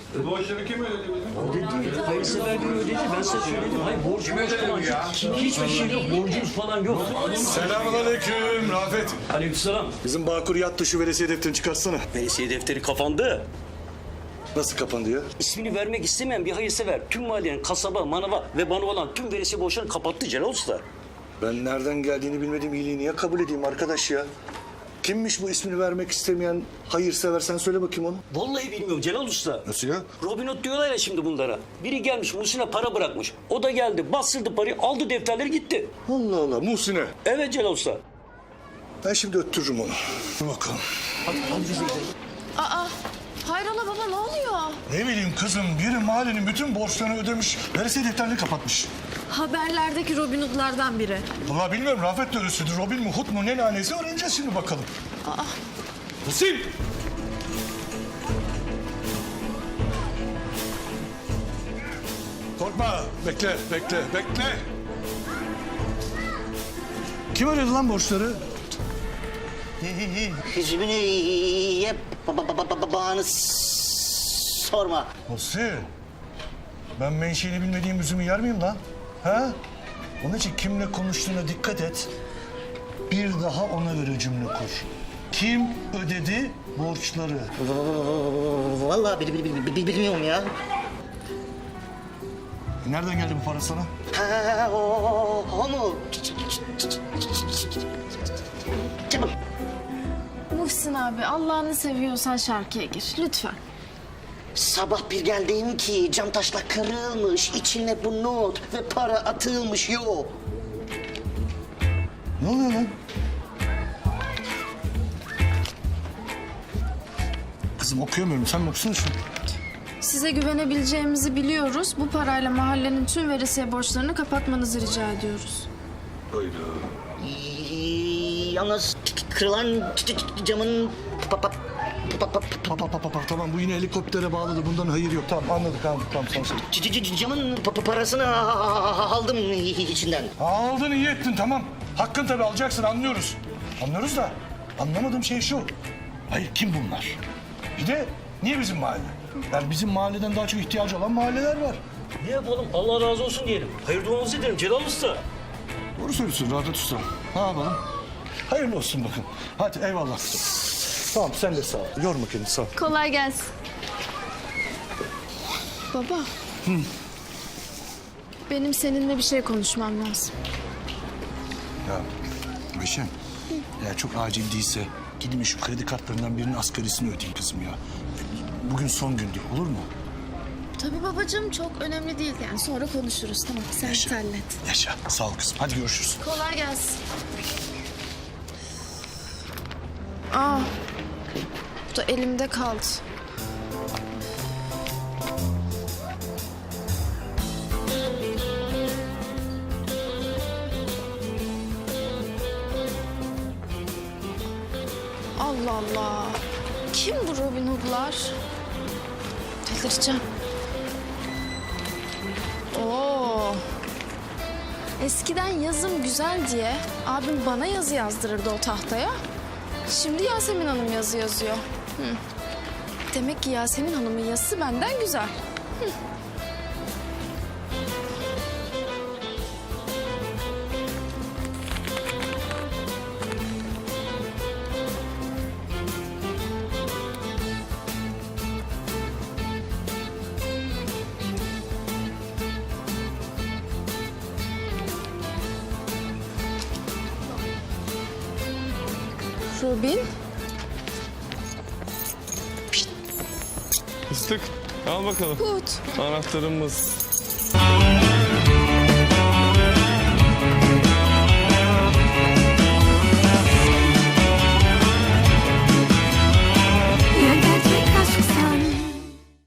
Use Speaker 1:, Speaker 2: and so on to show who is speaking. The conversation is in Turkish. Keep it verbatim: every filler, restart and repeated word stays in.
Speaker 1: Borçları kim ödedi bizim?
Speaker 2: Ödedi. Hayırsever gün ödedi. Ben size söyledim. Hayır borcumuz falan yok. Hiçbir şey yok. Borcumuz falan yok.
Speaker 3: Selamünaleyküm Rafet.
Speaker 2: Aleykümselam.
Speaker 3: Bizim Bağkur yattı, şu veresiye defterini çıkarsana.
Speaker 2: Veresiye defteri kapandı.
Speaker 3: Nasıl kapandı ya?
Speaker 2: İsmini vermek istemeyen bir hayırsever tüm mahallenin kasaba, manava ve bana olan tüm veresiye borçlarını kapattı Celal Usta.
Speaker 3: Ben nereden geldiğini bilmediğim iyiliği niye kabul edeyim arkadaş ya? Kimmiş bu ismini vermek istemeyen hayırsever, sen söyle bakayım onu.
Speaker 2: Vallahi bilmiyorum Celal Usta.
Speaker 3: Nasıl ya?
Speaker 2: Robin Hood diyorlar ya şimdi bunlara. Biri gelmiş Muhsin'e para bırakmış. O da geldi bastırdı parayı aldı defterleri gitti.
Speaker 3: Allah Allah, Muhsin'e.
Speaker 2: Evet Celal Usta.
Speaker 3: Ben şimdi öttürürüm onu. Dur bakalım.
Speaker 2: Hadi, hadi bize gidelim.
Speaker 4: Aa, hayrola baba ne oluyor?
Speaker 3: Ne bileyim kızım, biri mahallenin bütün borçlarını ödemiş, veresiye defterini kapatmış.
Speaker 4: Haberlerdeki Robin Hood'lardan biri.
Speaker 3: Vallahi bilmiyorum, Rafet de öylesidir. Robin mi, Hood mu, ne lanesi öğreneceğiz şimdi bakalım.
Speaker 4: Aa,
Speaker 3: Muhsin! Korkma, bekle, bekle, bekle. Kim ödedi lan borçları?
Speaker 5: Hüzmünü ye ba- ba- ba- ba- bağını s- sorma.
Speaker 3: Muhsin, ben menşeini bilmediğim üzümü yer miyim lan? Ha? Onun için kimle konuştuğuna dikkat et. Bir daha ona göre cümle kur. Kim ödedi borçları?
Speaker 5: Vallahi bil- bil- bil- bil- bilmiyorum ya.
Speaker 3: Nereden geldi bu para sana?
Speaker 5: Ha, o, o, o mu? Çabuk.
Speaker 4: Muhsin abi Allah'ını seviyorsan şarkıya gir lütfen.
Speaker 5: Sabah bir geldim ki cam taşla kırılmış, içine bu not ve para atılmış yok.
Speaker 3: Ne oluyor lan? Kızım okuyamıyorum. Sen mi okusana şunu?
Speaker 4: Size güvenebileceğimizi biliyoruz. Bu parayla mahallenin tüm veresiye borçlarını kapatmanızı rica ediyoruz.
Speaker 5: Y- Yalnız kırılan ç- ç- camın pa- pa- pa- pa- pa-
Speaker 3: Pa, pa, pa, pa, pa. Tamam, bu yine helikoptere bağladı. Bundan hayır yok. Tamam, anladık, anladık. Tamam, sen söyle.
Speaker 5: c- c- c- camın pa- pa- parasını aldım içinden.
Speaker 3: Aldın, iyi ettin, tamam. Hakkın tabii, alacaksın, anlıyoruz. Anlıyoruz da anlamadığım şey şu. Hayır, kim bunlar? Bir de niye bizim mahalle? Yani bizim mahalleden daha çok ihtiyacı olan mahalleler var.
Speaker 2: Ne yapalım Allah razı olsun diyelim. Hayır duamızı edelim Celal Usta.
Speaker 3: Doğru söylüyorsun Rafet Usta. Ne yapalım? Hayırlı olsun bakın. Hadi eyvallah. Tamam, sen de sağ ol. Yorma kendini, sağ ol.
Speaker 4: Kolay gelsin. Baba. Benim seninle bir şey konuşmam lazım.
Speaker 3: Ya Ayşen, eğer çok acil değilse gidin şu kredi kartlarından birinin asgarisini ödeyin kızım ya. Bugün son gündü, olur mu?
Speaker 4: Tabii babacığım çok önemli değil yani sonra konuşuruz tamam sen
Speaker 3: Yaşa.
Speaker 4: hallet.
Speaker 3: Yaşa, sağ ol kızım. Hadi görüşürüz.
Speaker 4: Kolay gelsin. Aa, bu da elimde kaldı. Allah Allah. Kim bu Robin Hood'lar? Delireceğim. Oo. Eskiden yazım güzel diye abim bana yazı yazdırırdı o tahtaya. Şimdi Yasemin Hanım yazı yazıyor. Hı. Demek ki Yasemin Hanım'ın yazısı benden güzel. Hı. Robin.
Speaker 1: Fıstık al bakalım.
Speaker 4: Hood.
Speaker 1: Anahtarımız.